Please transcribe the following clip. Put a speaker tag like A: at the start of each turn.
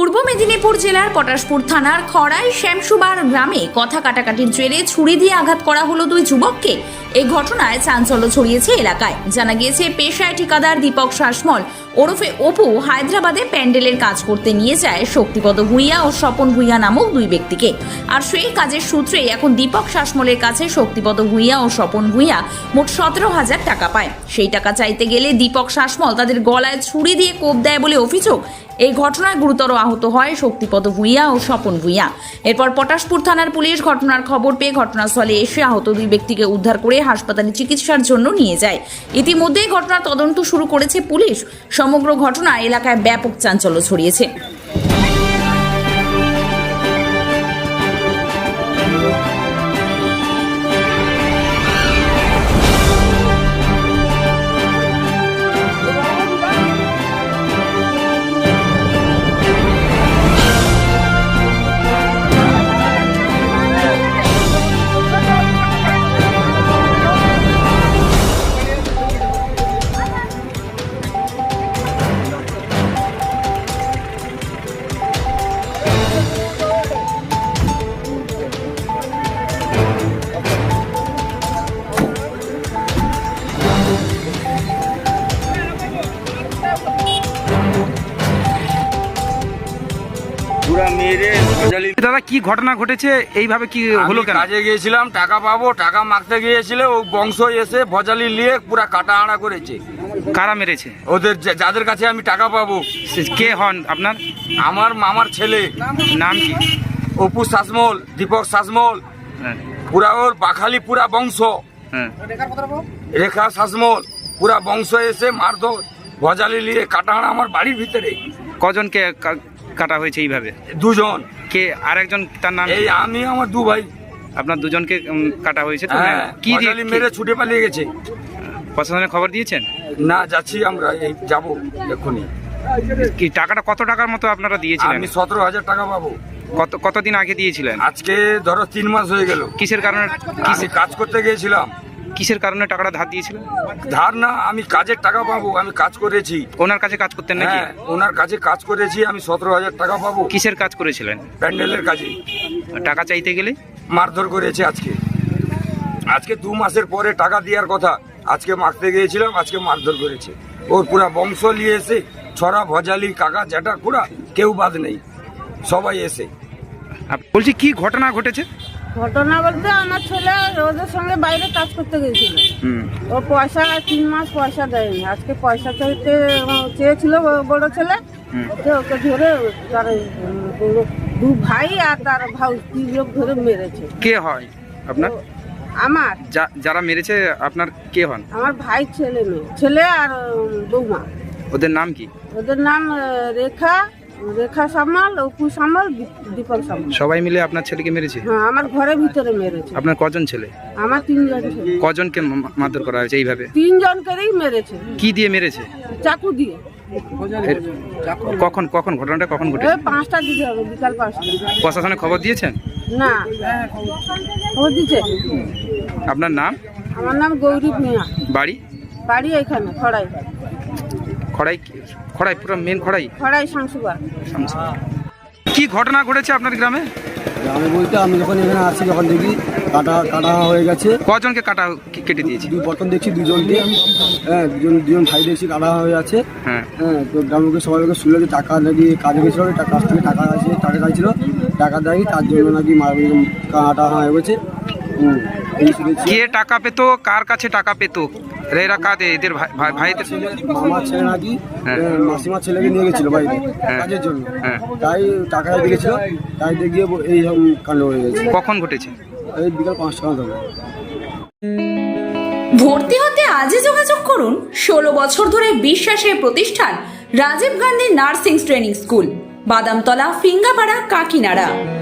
A: পূর্ব মেদিনীপুর জেলার পটাশপুর থানার খড়াই শ্যামসুবার গ্রামে কথা কাটাকাটির জেরে ছুরি দিয়ে আঘাত করা হলো দুই যুবককে। এই ঘটনায় চাঞ্চল্য ছড়িয়েছে এলাকায়। জানা গিয়েছে পেশায় ঠিকাদার দীপক শাসমল ওরফে অপু হায়দ্রাবাদে প্যান্ডেলের কাজ করতে নিয়ে যায় শক্তিপদ ভূঁইয়া ও স্বপন ভূঁইয়া নামক দুই ব্যক্তিকে। আর সেই কাজের সূত্রেই এখন দীপক শাসমলের কাছে শক্তিপদ ভূঁইয়া ও স্বপন ভূঁইয়া মোট 17,000 টাকা পায়। সেই টাকা চাইতে গেলে দীপক শাসমল তাদের গলায় ছুরি দিয়ে কোপ দেয় বলে অভিযোগ। এই ঘটনায় গুরুতর আহত হয় শক্তিপদ ভূঁইয়া ও স্বপন ভূঁইয়া। এরপর পটাশপুর থানার পুলিশ ঘটনার খবর পেয়ে ঘটনাস্থলে এসে আহত দুই ব্যক্তিকে উদ্ধার করে হাসপাতালে চিকিৎসার জন্য নিয়ে যায়। ইতিমধ্যেই ঘটনার তদন্ত শুরু করেছে পুলিশ। সমগ্র ঘটনা এলাকায় ব্যাপক চাঞ্চল্য ছড়িয়েছে।
B: দাদা, কি ঘটনা ঘটেছে? এইভাবে কি হলো কেন?
C: কাজে গিয়েছিলাম, টাকা পাবো, টাকা মাগতে গিয়েছিল, ও বংশ এসে ভজালি নিয়ে পুরা কাটা আড়া করেছে।
B: কারা মেরেছে?
C: ওদের যাদের কাছে আমি টাকা পাবো।
B: কে হন আপনার?
C: আমার মামার ছেলে।
B: নাম কি?
C: অপু শাসমল, দীপক শাসমল।
B: হ্যাঁ।
C: পুরা ওর বাখালি পুরা বংশ।
B: হ্যাঁ।
C: রেখা শাসমল পুরা বংশ এসে মারধর ভজালি নিয়ে কাটা আড়া আমার বাড়ির ভিতরে।
B: কজনকে কাটা হয়েছে এইভাবে?
C: দুজন।
B: কে আরেকজন? তার নাম?
C: এই আমি, আমার দু ভাই।
B: আপনার দুজনকে কাটা হয়েছে তো?
C: হ্যাঁ,
B: কি দিয়ে
C: মেরে ছুটে পালিয়ে গেছে।
B: প্রশাসনে খবর দিয়েছেন?
C: না, যাচ্ছি আমরা, এই যাবো এক্ষুনি।
B: কি টাকাটা কত টাকার মতো আপনারা দিয়েছিলেন?
C: আমি 17,000 টাকা পাবো।
B: কতদিন আগে দিয়েছিলেন?
C: আজকে ধরো 3 মাস হয়ে গেল।
B: কিসের কারণে?
C: আমি কাজ করতে গিয়েছিলাম।
B: কিসের কারণে টাকাটা ধার দিয়েছিলেন?
C: ধার না, আমি কাজের টাকা পাবো। আমি কাজ করেছি।
B: ওনার কাছে কাজ করতেন নাকি?
C: হ্যাঁ, ওনার কাছে কাজ করেছি। আমি 17,000 টাকা পাবো।
B: কিসের কাজ করেছিলেন?
C: প্যান্ডেলের কাজে।
B: টাকা চাইতে গেলে
C: মারধর করেছে আজকে 2 মাসের পরে টাকা দেওয়ার কথা। আজকে মারতে গিয়েছিলাম, আজকে মারধর করেছে। ওর পুরা বংশ নিয়ে এসে ছড়া ভজালি কাকা জ্যাঠা পুরা কেউ বাদ নেই, সবাই এসে।
B: বলছি, কি ঘটনা ঘটেছে?
D: ঘটনা বলতে আমার ছেলে ওদের সঙ্গে বাইরে কাজ করতে গেছিল। ও পয়সা 3 মাস পয়সা দেয়নি। আজকে পয়সা চাইতে চেয়েছিল বড় ছেলে, ওকে ধরে তার দু ভাই আর তার ভাই 3 লোক ধরে মেরেছে।
B: কে হয় আপনার?
D: আমার
B: যারা মেরেছে আপনার কে হন?
D: আমার ভাই ছেলে মেয়ে, ছেলে আর বৌমা।
B: ওদের নাম কি?
D: ওদের নাম রেখা সামাল, অপু সামাল, দীপক সামাল।
B: সবাই মিলে আপনার ছেলেকে মেরেছে?
D: হ্যাঁ, আমার ঘরের ভিতরে মেরেছে।
B: আপনার কজন ছেলে?
D: আমার 3 জন ছেলে।
B: কজনকে মারধর করা হয়েছে এইভাবে?
D: 3 জনকেই মেরেছে।
B: কি দিয়ে মেরেছে?
D: চাকু দিয়ে।
B: কখন ঘটনাটা কখন ঘটেছে?
D: 5টার দিকে হবে, বিকাল 5টা।
B: প্রশাসনে খবর দিয়েছেন?
D: না, খবর দিচ্ছে।
B: আপনার নাম?
D: আমার নাম গৌরী ভূঁইয়া।
B: বাড়ি
D: এখানে খড়াই।
B: খড়াই পুরো মেন খড়াই
D: শামসুবার।
B: কি ঘটনা ঘটেছে আপনার গ্রামে?
E: গ্রামে বলতে আমি যখন এখানে আসি, যখন দেখি কাটা হয়ে গেছে।
B: কজনকে কেটে দিয়েছি?
E: প্রথম দেখছি দুজনকে। হ্যাঁ, দুজন ভাই দেখছি কাটা হয়ে আছে। হ্যাঁ, তো গ্রামকে সবাই শুনলো যে টাকা নাকি কাজে গেছিল, কাছ থেকে টাকা চাইছিল, টাকা দেয়নি, তার জন্য নাকি কাটা হয়ে গেছে।
B: কে টাকা পেতো? কার কাছে টাকা পেতো? এরা কাঁদে এদের ভাইদের?
E: মামার ছেলে নাকি মাসিমার ছেলেকে নিয়ে গেছিল বাইরে কাজের জন্য। তাই টাকা দিয়েছিল, তাই গিয়ে এই কাণ্ড হয়ে গেছে।
B: কখন ঘটেছে?
E: এই বিকাল 5টা হবে।
A: ভর্তি হতে আজই যোগাযোগ করুন 16 বছর ধরে বিশ্বাসের প্রতিষ্ঠান Rajiv Gandhi nursing training school, Badamtala, Phingapara, কাকিনাড়া।